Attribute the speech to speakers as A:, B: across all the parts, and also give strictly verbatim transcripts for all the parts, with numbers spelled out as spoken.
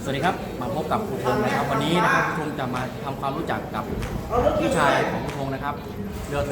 A: วัสดีครับมาพบกับครูธงนะครับวันนี้นะครับครูธงจะมาทำความรู้จักกับผู้ชายของครูธงนะครับเรือโท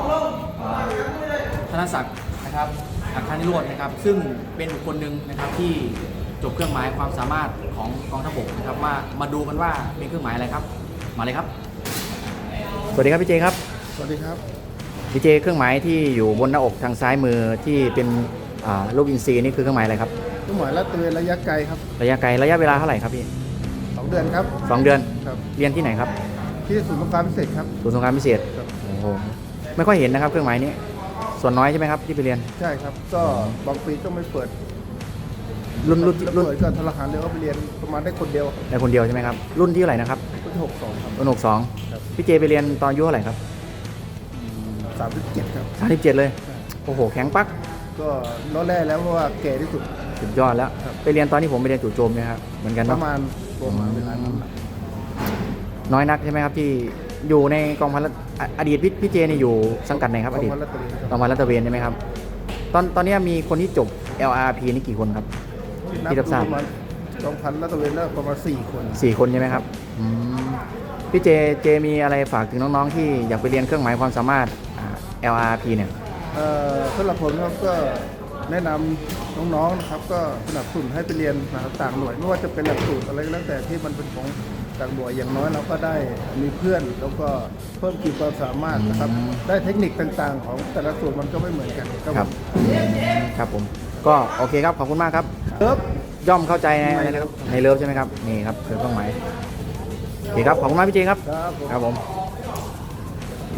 A: ธนศักดิ์นะครับอัครนิโรจน์นะครับซึ่งเป็นบุคคลหนึ่งนะครับที่จบเครื่องหมายความสามารถของกองทัพบกนะครับมามาดูกันว่าเป็นเครื่องหมายอะไรครับมาเลยครับสวัสดีครับพี่เจครับ
B: สวัสดีครับ
A: พี่เจเครื่องหมายที่อยู่บนหน้าอกทางซ้ายมือที่เป็นรูปอินทรีนี่คือเครื่องหมายอะไรครับ
B: เครื่องหมายลาดตระเวนระยะไกลครับ
A: ระยะไกลระยะเวลาเท่าไหร่ครับพี่
B: สองเดือนครับ
A: สองเดือน
B: ครับ
A: เรียนที่ไหนครับ
B: ที่ศูนย์สงครามพิเศษครับ
A: ศูนย์สงครามพิเศษโอ้โหไม่ค่อยเห็นนะครับเครื่องหมายนี้ส่วนน้อยใช่ไหมครับที่ไปเรียน
B: ใช่ครับก็บางปีก็ไม่เปิด
A: รุ่นรุ่นรุ่น
B: เปิดก็ทหารเรือก็ไปเรียนประมาณได้คนเดียว
A: ได้คนเดียวใช่ไหมครับรุ่นที่เท่าไหร่นะครับ
B: รุ่นหกสองครับ
A: รุ่นหกสองพี่เจไปเรียนตอนอายุเท่าไหร่ครับ
B: สามสิบเจ็ดครับ
A: สามสิบเจ็ดเลยโอ้โหแข็งปัก
B: ก็ล้อแร่แล้วเพราะว่าแก่ที่สุด
A: สุดยอดแล้วไปเรียนตอนที่ผมไปเรียนจู่โจมเนี่ยครับเหมือนกัน
B: ประมาณประมาณเวลานั้น
A: น้อยนักใช่ไหมครับที่อยู่ในกองพันอดีตพี่เจนี่อยู่สังกัดไหนครับอดีตกองพันรัตเวนใช่ไหมครับตอนตอนนี้มีคนที่จบ แอล อาร์ พี นี่กี่คนครับที่รับทราบ
B: กองพันรัตเวนแล้วประมาณสี่คน
A: สี่คนใช่ไหมครับพี่เจเจมีอะไรฝากถึงน้องๆที่อยากไปเรียนเครื่องหมายความสามารถ แอล อาร์ พี เนี่ย
B: สำหรับผมครับก็แนะนำน้องๆนะครับก็สนับสนุนให้ไปเรียนนะครับต่างหน่วยไม่ว่าจะเป็นหลักสูตรอะไรก็แล้วแต่ที่มันเป็นของต่างหน่วยอย่างน้อยเราก็ได้มีเพื่อนแล้วก็เพิ่มขีดความสามารถนะครับได้เทคนิคต่างๆของแต่ละส่วนมันก็ไม่เหมือนกัน
A: ครับครับผมก็โอเคครับขอบคุณมากครับ
B: เลิฟ
A: ย่อมเข้าใจในอะไรนะครับในเลิฟใช่ไหมครับนี่ครับคือเครื่องหมายโอเคครับขอบคุณมากพี่เจครับ
B: ครับผม